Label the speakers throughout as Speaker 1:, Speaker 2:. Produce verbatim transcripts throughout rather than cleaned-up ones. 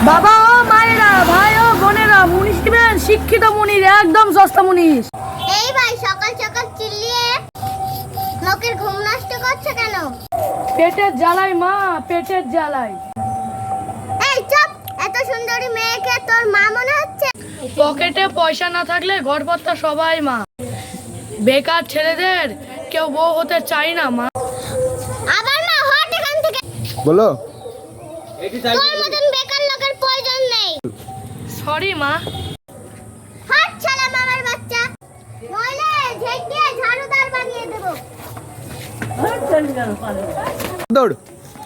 Speaker 1: বাবা ও মায়েরা, ভাই ও বোনেরা, মুনিশ দিবেন শিক্ষিত মুনির, একদম সস্তা মুনিশ।
Speaker 2: এই ভাই, সকাল সকাল চিল্লিয়ে লোকের ঘুম নষ্ট করছে কেন?
Speaker 1: পেটের জ্বালাই মা, পেটের জ্বালাই।
Speaker 2: এই চুপ! এত সুন্দরী মেয়েকে তোর মা মনে হচ্ছে?
Speaker 1: পকেটে পয়সা না থাকলে ঘরপত্তা সবাই মা। বেকার ছেলেদের কেউ বউ হতে চায় না মা।
Speaker 2: আবার না, হট এখান থেকে।
Speaker 3: বলো।
Speaker 2: তোর মতন বেকার লোকের প্রয়োজন নেই।
Speaker 1: সরি মা।
Speaker 2: হট শালা মামার বাচ্চা, নইলে ঝেঁট দিয়ে ঝাড়ুদার বানিয়ে দেব।
Speaker 3: দৌড়।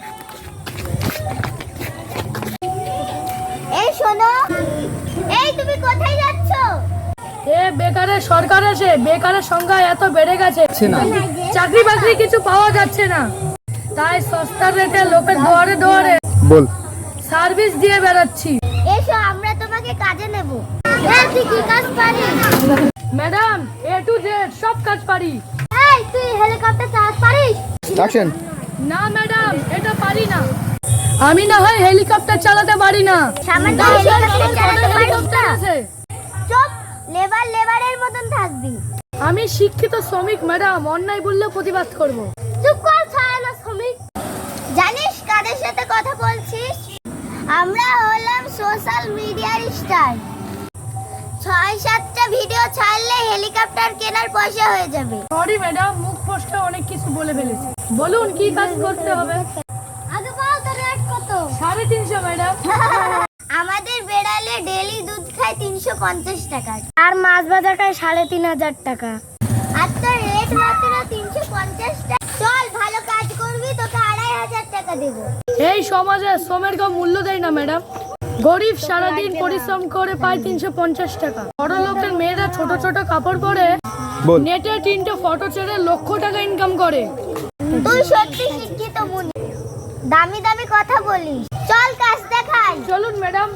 Speaker 2: এই শোনো, এই তুমি কোথায় যাচ্ছ?
Speaker 1: এ বেকারের সরকার এসে বেকারের সংখ্যা এত বেড়ে গেছে,
Speaker 3: না
Speaker 1: চাকরি বাকরি কিছু পাওয়া যাচ্ছে না, তাই সস্তা রেটে লোকের দুয়ারে দুয়ারে
Speaker 3: বল
Speaker 1: সার্ভিস দিয়ে বেড়াচ্ছি।
Speaker 2: এসো, আমরা তোমাকে কাজে নেব। এই তুই কি কাজ পারিস?
Speaker 1: ম্যাডাম, এ টু জেড সব কাজ পারি।
Speaker 2: এই তুই হেলিকপ্টার চালাতে পারিস?
Speaker 3: অ্যাকশন।
Speaker 1: না ম্যাডাম, এটা পারি না। আমি না হয় হেলিকপ্টার চালাতে পারি না।
Speaker 2: সামান্য
Speaker 1: তাই
Speaker 2: হেলিকপ্টার চালাতে পারিস
Speaker 1: হেলিকপ্টার
Speaker 2: না?
Speaker 1: আছে।
Speaker 2: চুপ! লেবার লেবারের মতন থাকবি।
Speaker 1: আমি শিক্ষিত শ্রমিক ম্যাডাম, অন্যায় বললে প্রতিবাদ করব।
Speaker 2: চুপ কর ছায়ানো শ্রমিক। জানিস কাদের সাথে কথা বলছিস? আমরা হলাম সোশ্যাল মিডিয়ার স্টার। ছয় সাতটা ভিডিও ছাড়লে হেলিকপ্টার কেনার পয়সা হয়ে যাবে।
Speaker 1: সরি ম্যাডাম, মুখ ফসকে অনেক কিছু বলে ফেলেছি। বলুন কি কাজ করতে হবে?
Speaker 2: আগে বল তোর রেট কত?
Speaker 1: সাড়ে তিনশো ম্যাডাম।
Speaker 2: আমাদের বেড়ালে ডেলি দুধ খায় তিনশো পঞ্চাশ টাকা, আর মাছ ভাজা খায় সাড়ে তিন হাজার টাকা। আর তোর রেট মাত্র তিনশো পঞ্চাশ টাকা। চল, ভালো কাজ করবি, তোকে আড়াই হাজার টাকা দেবো।
Speaker 1: এই সমাজে শ্রমের কেউ মূল্য দেয় না ম্যাডাম। গরিব সারাদিন পরিশ্রম করে পায় তিনশো পঞ্চাশ টাকা। বড় লোকের মেয়েরা ছোট ছোট কাপড় পরে
Speaker 3: বল।
Speaker 1: নেটে তিনটে ফটো ছেড়ে লক্ষ টাকা ইনকাম করে।
Speaker 2: তুই সত্যি শিক্ষিত মুনি, দামি দামি কথা বলিস। চল কাজ দেখাই।
Speaker 1: চলুন ম্যাডাম।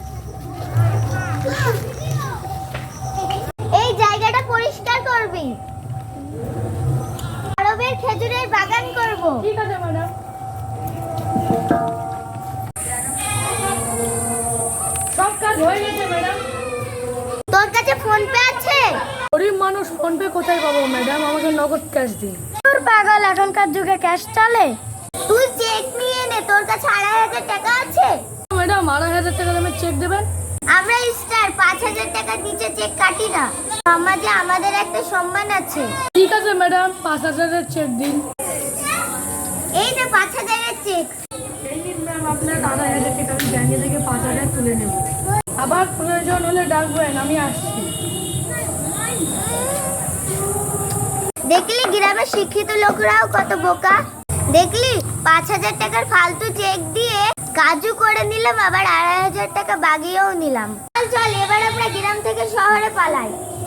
Speaker 2: এই জায়গাটা পরিষ্কার করবি। আরবের খেজুরের বাগান করব।
Speaker 1: ঠিক আছে ম্যাডাম। সব কাজ হয়ে গেছে ম্যাডাম।
Speaker 2: তোর কাছে ফোন পে আছে?
Speaker 1: গরিব মানুষ ফোন পে কোথায় পাবো ম্যাডাম, আমাকে নগদ ক্যাশ দিন।
Speaker 2: তোর পাগল, এখনকার যুগে ক্যাশ চলে? তুই চেক নিয়ে নে, তোর কাছে আড়াই হাজার টাকা আছে?
Speaker 1: ম্যাডাম, আড়াই হাজার টাকা দামের চেক দেবেন?
Speaker 2: আমরা স্টার, পাঁচ হাজার টাকার নিচে চেক কাটি না। সমাজে আমাদের একটা সম্মান আছে।
Speaker 1: ঠিক আছে ম্যাডাম, পাঁচ হাজারের চেক দিন।
Speaker 2: এই যে পাঁচ হাজারের চেক।
Speaker 1: এই নিন ম্যাম, আপনার আড়াই হাজার টাকা আমি ব্যাংকে থেকে পাঁচ হাজার তুলে নেব। আবার প্রয়োজন হলে ডাকবেন, আমি আসছি।
Speaker 2: দেখলি গ্রামের শিক্ষিত লোকরাও কত বোকা। দেখলি পাঁচ হাজার টাকার ফালতু চেক দিয়ে কাজু করে নিলাম, আবার আড়াই হাজার টাকা বাগিয়েও নিলাম। চল চল, এবার আমরা গ্রাম থেকে শহরে পালাই।